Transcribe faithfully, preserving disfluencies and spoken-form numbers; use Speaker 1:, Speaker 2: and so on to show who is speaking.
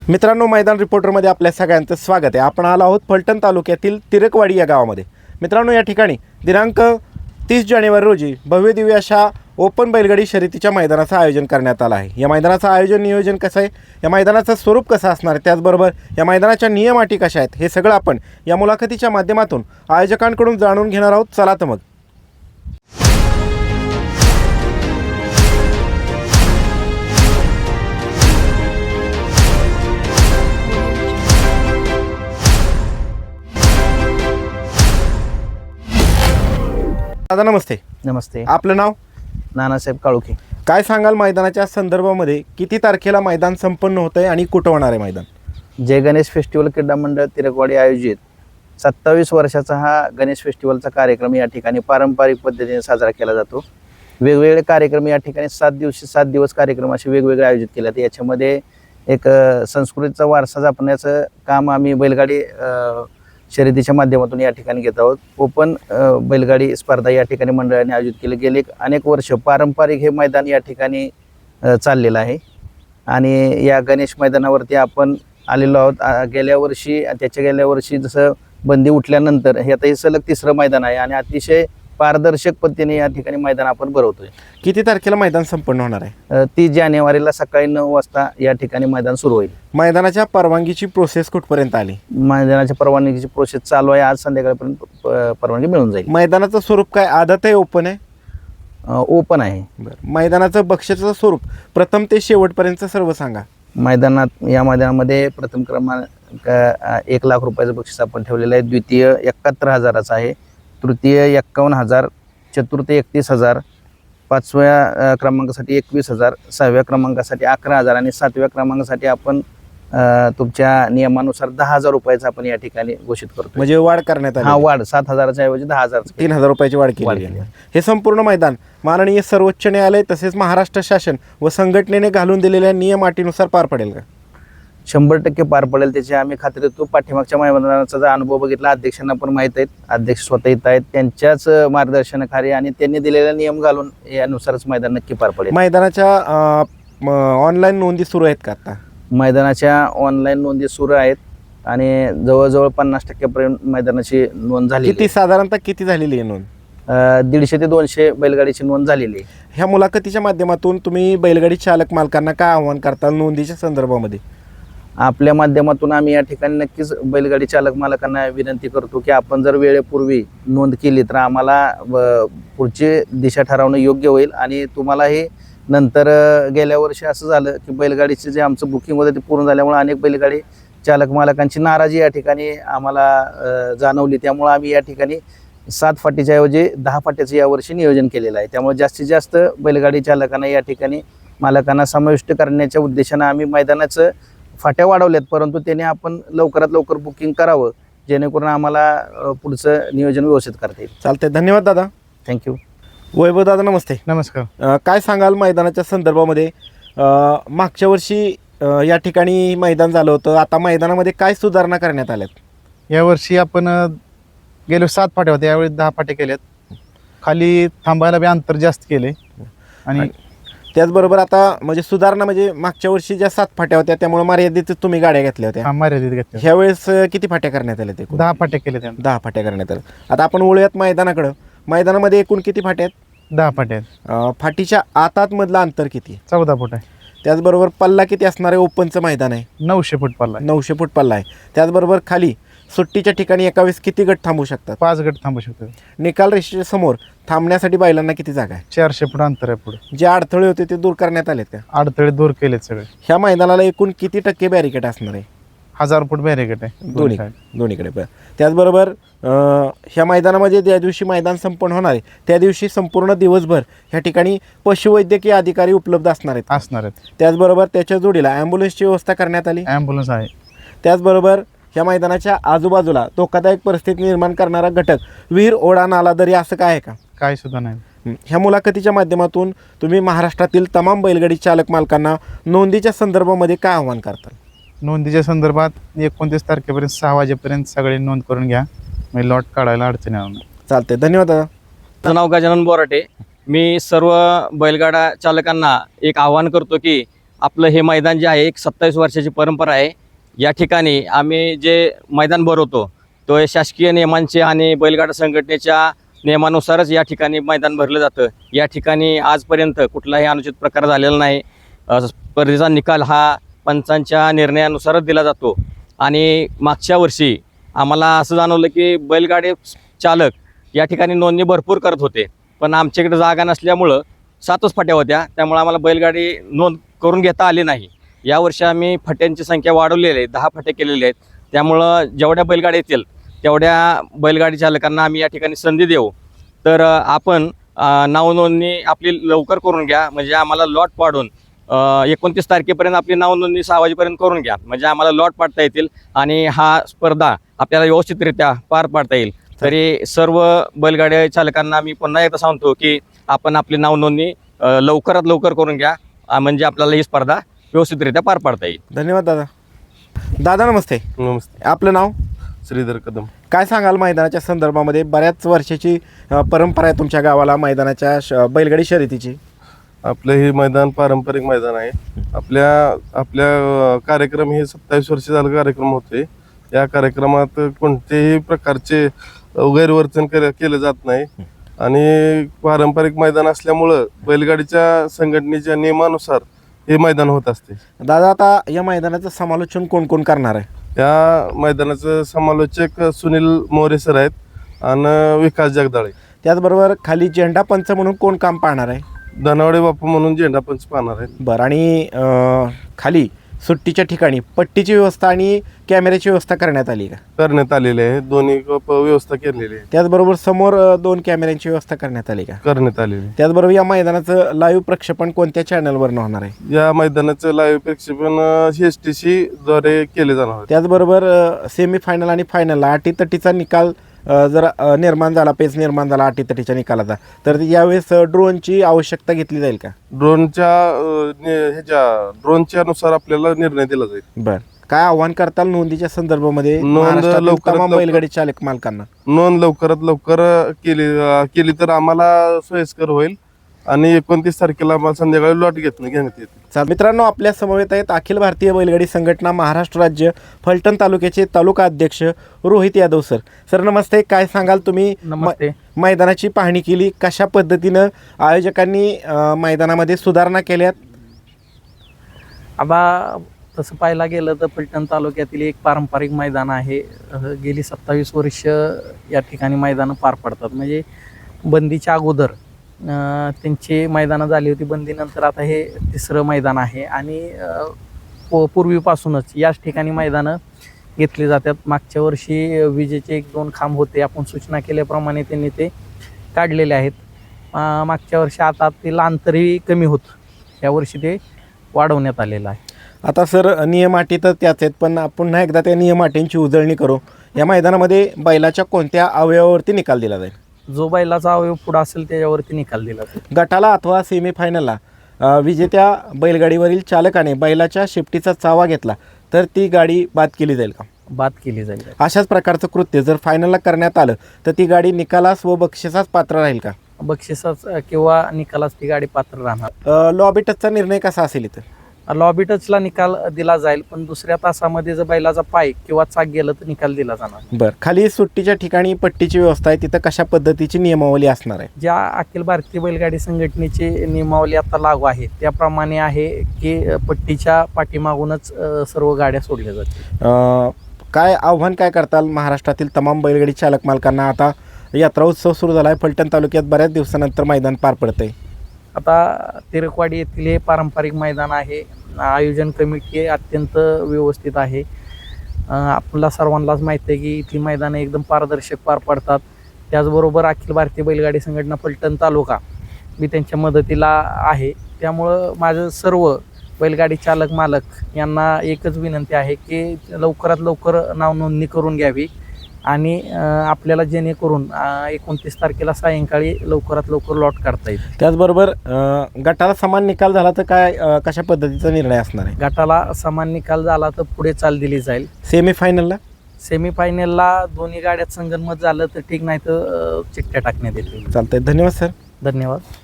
Speaker 1: मित्रांनो, मैदान रिपोर्टरमध्ये आपल्या सगळ्यांचं स्वागत आहे। आपण आलो आहोत फलटण तालुक्यातील तिरकवाडी या गावामध्ये। मित्रांनो, या ठिकाणी दिनांक तीस जानेवारी रोजी भव्य दिव्य अशा ओपन बैलगाडी शर्यतीच्या मैदानाचं आयोजन करण्यात आलं आहे। या मैदानाचं आयोजन नियोजन कसं आहे, या मैदानाचं स्वरूप कसं असणार आहे, त्याचबरोबर या मैदानाच्या नियम अटी कशा आहेत, हे सगळं आपण या मुलाखतीच्या माध्यमातून आयोजकांकडून जाणून घेणार आहोत। चला तर मग दादा नमस्ते।
Speaker 2: नमस्ते।
Speaker 1: आपलं नाव?
Speaker 2: नानासाहेब काळुखे।
Speaker 1: काय सांगाल मैदानाच्या संदर्भामध्ये, किती तारखेला मैदान संपन्न होत आहे आणि कुठं होणार आहे मैदान?
Speaker 2: जय गणेश फेस्टिवल क्रीडा मंडळ तिरकवाडी आयोजित सत्तावीस वर्षाचा हा गणेश फेस्टिवलचा कार्यक्रम या ठिकाणी पारंपरिक पद्धतीने साजरा केला जातो। वेगवेगळे कार्यक्रम या ठिकाणी सात दिवशी सात दिवस कार्यक्रम असे वेगवेगळे आयोजित केले जाते। याच्यामध्ये एक संस्कृतीचा वारसा जपण्याचं काम आम्ही बैलगाडी शर्यतीच्या माध्यमातून या ठिकाणी घेत आहोत। ओपन बैलगाडी स्पर्धा या ठिकाणी मंडळाने आयोजित केली। गेले अनेक वर्ष पारंपरिक हे मैदान या ठिकाणी चाललेलं आहे आणि या गणेश मैदानावरती आपण आलेलो आहोत। गेल्या वर्षी त्याच्या गेल्या वर्षी जसं बंदी उठल्यानंतर हे आता हे सलग तिसरं मैदान आहे आणि अतिशय पारदर्शक पद्धतीने या ठिकाणी मैदान आपण भरवतोय।
Speaker 1: किती तारखेला मैदान संपन्न होणार आहे?
Speaker 2: तीस जानेवारीला सकाळी नऊ वाजता या ठिकाणी मैदान सुरू होईल।
Speaker 1: मैदानाच्या परवानगीची प्रोसेस कुठपर्यंत आली?
Speaker 2: मैदानाच्या परवानगीची प्रोसेस चालू आहे। आज संध्याकाळपर्यंत परवानगी मिळून जाईल।
Speaker 1: मैदानाचं स्वरूप काय, आदत आहे, ओपन आहे?
Speaker 2: ओपन आहे।
Speaker 1: बरं, मैदानाचं बक्षिसाचं स्वरूप प्रथम ते शेवटपर्यंत सर्व सांगा।
Speaker 2: मैदानात या मैदानामध्ये प्रथम क्रमांक एक लाख रुपयाचं बक्षीस आपण ठेवलेलं आहे। द्वितीय एकाहत्तर हजाराचं आहे, तृतीय एक्कावन्न हजार, चतुर्थ एकतीस हजार, पाचव्या क्रमांकासाठी एकवीस हजार, सहाव्या क्रमांकासाठी अकरा हजार आणि सातव्या क्रमांकासाठी आपण तुमच्या नियमानुसार दहा हजार रुपयाचं आपण या ठिकाणी घोषित करतो।
Speaker 1: म्हणजे वाढ करण्यात आली?
Speaker 2: हा, वाढ सात हजाराच्या ऐवजी दहा हजार
Speaker 1: तीन हजार रुपयाची वाढ केली आहे। हे संपूर्ण मैदान माननीय सर्वोच्च न्यायालय तसेच महाराष्ट्र शासन व संघटनेने घालून दिलेल्या नियम अटीनुसार पार पडेल का?
Speaker 2: शंभर टक्के पार पडेल, त्याची आम्ही खात्री देतो। पाठीमागच्या मैदानाचा जर अनुभव बघितला, अध्यक्षांना पण माहीत आहेत, अध्यक्ष स्वतः येत आहेत, त्यांच्याच मार्गदर्शनाखाली आणि त्यांनी दिलेला नियम घालून यानुसारच मैदान नक्की पार पडेल।
Speaker 1: मैदानाच्या ऑनलाईन नोंदी सुरू आहेत का आता?
Speaker 2: मैदानाच्या ऑनलाईन नोंदी सुरू आहेत आणि जवळजवळ पन्नास टक्क्यापर्यंत मैदानाची नोंद झाली।
Speaker 1: किती साधारणतः किती झालेली आहे नोंद?
Speaker 2: दीडशे ते दोनशे बैलगाडीची नोंद झालेली आहे।
Speaker 1: ह्या मुलाखतीच्या माध्यमातून तुम्ही बैलगाडी चालक मालकांना काय आव्हान करता नोंदीच्या संदर्भामध्ये?
Speaker 2: आपल्या माध्यमातून आम्ही या ठिकाणी नक्कीच बैलगाडी चालक मालकांना विनंती करतो की आपण जर वेळेपूर्वी नोंद केली तर आम्हाला पुढची दिशा ठरवणं योग्य होईल आणि तुम्हालाही नंतर गेल्या वर्षी असं झालं की बैलगाडीचे जे आमचं बुकिंग होतं ते पूर्ण झाल्यामुळे अनेक बैलगाडी चालक मालकांची नाराजी या ठिकाणी आम्हाला जाणवली। त्यामुळे आम्ही या ठिकाणी सात फाटीच्या ऐवजी दहा फाट्याचं यावर्षी नियोजन केलेलं आहे। त्यामुळे जास्तीत जास्त बैलगाडी चालकांना या ठिकाणी मालकांना समाविष्ट करण्याच्या उद्देशानं आम्ही मैदानाचं फाट्या वाढवल्यात, परंतु त्याने आपण लवकरात लवकर बुकिंग करावं जेणेकरून आम्हाला पुढचं नियोजन व्यवस्थित करता येईल।
Speaker 1: चालते, धन्यवाद दादा।
Speaker 2: थँक्यू।
Speaker 1: वैभव दादा नमस्ते।
Speaker 3: नमस्कार।
Speaker 1: काय सांगाल मैदानाच्या संदर्भामध्ये? मागच्या वर्षी या ठिकाणी मैदान झालं होतं, आता मैदानामध्ये काय सुधारणा करण्यात आल्यात?
Speaker 3: यावर्षी आपण गेलो सात फाट्या होत्या, यावेळी दहा फाट्या केल्यात। खाली थांबायला बी अंतर जास्त केले आणि
Speaker 1: त्याचबरोबर आता म्हणजे सुधारणा म्हणजे मागच्या वर्षी ज्या सात फाट्या होत्या त्यामुळे मर्यादित तुम्ही गाड्या घेतल्या होत्या,
Speaker 3: मर्यादित घेतल्या।
Speaker 1: ह्यावेळेस किती फाट्या करण्यात आल्या? ते
Speaker 3: दहा फाट्या केल्या।
Speaker 1: दहा फाट्या करण्यात आल्या। आता आपण वळूयात मैदानाकडं। मैदानामध्ये एकूण किती फाट्या आहेत?
Speaker 3: दहा फाट्या आहेत।
Speaker 1: फाटीच्या आतात मधलं अंतर किती?
Speaker 3: चौदा फूट आहे।
Speaker 1: त्याचबरोबर पल्ला किती असणार आहे? ओपनचं मैदान आहे,
Speaker 3: नऊशे फूट पल्ला आहे।
Speaker 1: नऊशे फूट पल्ला आहे। त्याचबरोबर खाली सुट्टीच्या ठिकाणी एका वेळेस किती गट थांबू शकतात?
Speaker 3: पाच गट थांबू शकतात।
Speaker 1: निकाल रेषेच्या समोर थांबण्यासाठी बैलांना किती जागा आहे?
Speaker 3: चारशे फूट अंतर आहे पुढे।
Speaker 1: जे अडथळे होते ते दूर करण्यात आलेत का?
Speaker 3: अडथळे दूर केलेत सगळे।
Speaker 1: ह्या मैदानाला एकूण किती टक्के बॅरिकेड असणार आहे?
Speaker 3: हजार फूट बॅरिकेड आहे
Speaker 1: दोन्ही दोन्हीकडे। त्याचबरोबर ह्या मैदानामध्ये ज्या दिवशी मैदान संपन्न होणार आहे त्या दिवशी संपूर्ण दिवसभर ह्या ठिकाणी पशुवैद्यकीय अधिकारी उपलब्ध असणार आहेत
Speaker 3: असणार आहेत
Speaker 1: त्याचबरोबर त्याच्या जोडीला ॲम्ब्युलन्सची व्यवस्था करण्यात आली?
Speaker 3: ॲम्ब्युलन्स आहे।
Speaker 1: त्याचबरोबर ह्या मैदानाच्या आजूबाजूला धोकादायक परिस्थिती निर्माण करणारा घटक, विहीर, ओढा, नाला, दरी असं काय आहे का?
Speaker 3: काय सुद्धा नाही।
Speaker 1: ह्या मुलाखतीच्या माध्यमातून तुम्ही महाराष्ट्रातील तमाम बैलगाडी चालक मालकांना नोंदीच्या संदर्भामध्ये काय आव्हान करताल?
Speaker 3: नोंदीच्या संदर्भात एकोणतीस तारखेपर्यंत सहा वाजेपर्यंत सगळे नोंद करून घ्या, म्हणजे लॉट काढायला अडचण येणार नाही।
Speaker 1: चालते, धन्यवाद दादा।
Speaker 4: माझं नाव गजानन बोराटे। मी सर्व बैलगाडा चालकांना एक आवाहन करतो की आपलं हे मैदान जे आहे एक सत्तावीस वर्षाची परंपरा आहे. या ठिकाणी आम्ही जे मैदान भरवतो तो हे शासकीय नियमांचे आणि बैलगाडा संघटनेच्या नियमानुसारच या ठिकाणी मैदान भरलं जातं. या ठिकाणी आजपर्यंत कुठलाही अनुचित प्रकार झालेला नाही. अ, स्पर्धेचा निकाल हा पंचांच्या निर्णयानुसारच दिला जातो. आणि मागच्या वर्षी आम्हाला असं जाणवलं की बैलगाडी चालक या ठिकाणी नोंदणी भरपूर करत होते, पण आमच्याकडे जागा नसल्यामुळं सातच फाट्या होत्या, त्यामुळे आम्हाला बैलगाडी नोंद करून घेता आली नाही. यावर्षी आम्ही फाट्यांची संख्या वाढवलेली आहे, दहा फाट्या केलेल्या आहेत. त्यामुळं जेवढ्या बैलगाड्या येतील तेवढ्या बैलगाडी चालकांना आम्ही या ठिकाणी संधी देऊ. तर अ, आपण अ, नावनोंदणी आपली लवकर करून घ्या, म्हणजे आम्हाला लॉट पाडून एकोणतीस तारखेपर्यंत आपली नावनोंदणी सहा वाजेपर्यंत करून घ्या, म्हणजे आम्हाला लॉट पाडता येतील आणि हा स्पर्धा आपल्याला व्यवस्थितरित्या पार पाडता येईल. तरी सर्व बैलगाड्या चालकांना मी पुन्हा एकदा सांगतो की आपण आपली नावनोंदणी अ, लवकरात लवकर करून घ्या, अ, म्हणजे आपल्याला ही स्पर्धा व्यवस्थितरित्या पार पाडता येईल.
Speaker 1: धन्यवाद दादा. दादा नमस्ते.
Speaker 5: नमस्ते.
Speaker 1: आपलं नाव?
Speaker 5: श्रीधर कदम.
Speaker 1: काय सांगाल मैदानाच्या संदर्भामध्ये? बऱ्याच वर्षाची अ, परंपरा आहे तुमच्या गावाला मैदानाच्या श बैलगाडी शर्यतीची.
Speaker 5: आपलं हे मैदान पारंपरिक मैदान आहे. आपल्या आपल्या अ, कार्यक्रम हे सत्तावीस वर्ष झालं कार्यक्रम होते. या कार्यक्रमात कोणतेही प्रकारचे गैरवर्तन के केलं जात नाही आणि पारंपरिक मैदान असल्यामुळं बैलगाडीच्या संघटनेच्या नियमानुसार हे मैदान होत असते.
Speaker 1: दादा आता या मैदानाचं समालोचन कोण कोण करणार आहे?
Speaker 5: या मैदानाचं समालोचक सुनील मोरे सर आहेत आणि विकास जगदाळे.
Speaker 1: त्याचबरोबर खाली झेंडा पंच म्हणून कोण काम पाहणार आहे?
Speaker 5: धनावडे बापू म्हणून झेंडा पंच पाहणार आहेत.
Speaker 1: बरं. आणि अ, खाली सुट्टीच्या ठिकाणी पट्टीची व्यवस्था आणि कॅमेऱ्याची व्यवस्था करण्यात आली का?
Speaker 5: करण्यात आलेले आहे. दोन्ही प- व्यवस्था केलेली आहे.
Speaker 1: त्याचबरोबर समोर अ, दोन कॅमेऱ्यांची व्यवस्था करण्यात आली का?
Speaker 5: करण्यात आलेली आहे.
Speaker 1: त्याचबरोबर या मैदानाचं लाईव्ह प्रक्षेपण कोणत्या चॅनलवर होणार आहे?
Speaker 5: या मैदानाचं लाईव्ह प्रक्षेपण एस टी सी द्वारे केले जाणार आहे.
Speaker 1: त्याचबरोबर सेमीफायनल आणि फायनलला अटीतटीचा निकाल अ, जर अ, निर्माण झाला, पेच निर्माण झाला अटीतटीच्या निकालाचा, तर यावेळेस अ, ड्रोनची आवश्यकता घेतली जाईल का?
Speaker 5: ड्रोनच्या अं, नि- ह्याच्या ड्रोनच्या नुसार आपल्याला निर्णय दिला जाईल.
Speaker 1: बरं. काय आव्हान करताल नोंदीच्या संदर्भामध्ये
Speaker 5: नोंद
Speaker 1: महाराष्ट्रातील
Speaker 5: लवकरात
Speaker 1: तमाम
Speaker 5: लवकर-
Speaker 1: बैलगाडी चालक मालकांना?
Speaker 5: नोंद लवकरात लवकर केली अं, केली तर आम्हाला सोयीस्कर होईल आणि एकोणतीस तारखेला आम्हाला संध्याकाळी लॉट घेत घेण्यात येते.
Speaker 1: चाल मित्रांनो, आपल्या समवेत आहेत अखिल भारतीय बैलगाडी संघटना महाराष्ट्र राज्य फलटण तालुक्याचे तालुका अध्यक्ष रोहित यादव सर. सर नमस्ते. काय सांगाल तुम्ही?
Speaker 2: नमस्ते.
Speaker 1: म- मैदानाची पाहणी केली, कशा पद्धतीनं आयोजकांनी अ, मैदानामध्ये सुधारणा केल्यात?
Speaker 6: आता तसं पाहायला गेलं तर फलटण तालुक्यातील एक पारंपरिक मैदान आहे. अ, गेली सत्तावीस वर्ष या ठिकाणी मैदानं पार पडतात. म्हणजे बंदीच्या अगोदर अ, त्यांची मैदानं झाली होती, बंदीनंतर आता हे तिसरं मैदान आहे आणि अ, पू- पूर्वीपासूनच याच ठिकाणी मैदानं घेतली जातात. मागच्या वर्षी विजेचे एक दोन खांब होते, आपण सूचना केल्याप्रमाणे त्यांनी ते काढलेले आहेत. अ, मागच्या वर्षी आता ते अंतरही कमी होतं, यावर्षी ते वाढवण्यात आलेलं आहे.
Speaker 1: आता सर नियम अटी तर त्याच आहेत, पण पुन्हा एकदा त्या नियम अटींची उजळणी करू. या मैदानामध्ये बैलाच्या कोणत्या अवयवावरती निकाल दिला जाईल?
Speaker 6: जो बैलाचा अवयव पुढं असेल त्याच्यावरती निकाल दिला जातो.
Speaker 1: गटाला अथवा सेमीफायनलला अ, विजेत्या बैलगाडीवरील चालकाने बैलाच्या शेपटीचा चावा घेतला तर ती गाडी बाद केली जाईल का?
Speaker 6: बाद केली जाईल.
Speaker 1: अशाच प्रकारचं कृत्य जर फायनलला करण्यात आलं तर ती गाडी निकालास व बक्षिसास पात्र राहील का?
Speaker 6: बक्षिसाच किंवा निकालाच ती गाडी पात्र राहणार.
Speaker 1: अ, लॉबी टचचा निर्णय कसा असेल इथं?
Speaker 6: लॉबी टचला निकाल दिला जाईल, पण दुसऱ्या तासामध्ये जर बैलाचा पाय किंवा चाक गेलं तर निकाल दिला जाणार.
Speaker 1: बरं. खाली सुट्टीच्या ठिकाणी पट्टीची व्यवस्था आहे, तिथं कशा पद्धतीची नियमावली असणार आहे?
Speaker 6: ज्या अखिल भारतीय बैलगाडी संघटनेची नियमावली आता लागू आहे त्याप्रमाणे आहे की अ, पट्टीच्या पाठीमागूनच अ, सर्व गाड्या सोडल्या जातील.
Speaker 1: अ, काय आव्हान काय करताल महाराष्ट्रातील तमाम बैलगाडी चालक मालकांना? आता यात्रा उत्सव सुरू झाला आहे, फलटण तालुक्यात बऱ्याच दिवसानंतर मैदान पार पडतंय.
Speaker 6: आता तिरकवाडी येथील हे पारंपरिक मैदान आहे. आयोजन कमिटी अत्यंत व्यवस्थित आहे. अ, आपल्याला सर्वांनाच माहिती आहे की इथली मैदानं एकदम पारदर्शक पार पडतात. त्याचबरोबर अखिल भारतीय बैलगाडी संघटना फलटण तालुका मी त्यांच्या मदतीला आहे. त्यामुळं माझं सर्व बैलगाडी चालक मालक यांना एकच विनंती आहे की लवकरात लवकर नावनोंदणी करून घ्यावी आणि अ, आपल्याला जेणेकरून अ, एकोणतीस तारखेला सायंकाळी लवकरात लवकर लॉट काढता येईल.
Speaker 1: त्याचबरोबर अ, गटाला समान निकाल झाला तर काय अ, कशा पद्धतीचा निर्णय असणार आहे?
Speaker 6: गटाला समान निकाल झाला तर पुढे चाल दिली जाईल.
Speaker 1: सेमीफायनलला?
Speaker 6: सेमीफायनलला दोन्ही गाड्यात संगनमत झालं तर ठीक, नाही तर अ, चिठ्ठ्या टाकण्यात येतील.
Speaker 1: चालतंय. धन्यवाद सर.
Speaker 6: धन्यवाद.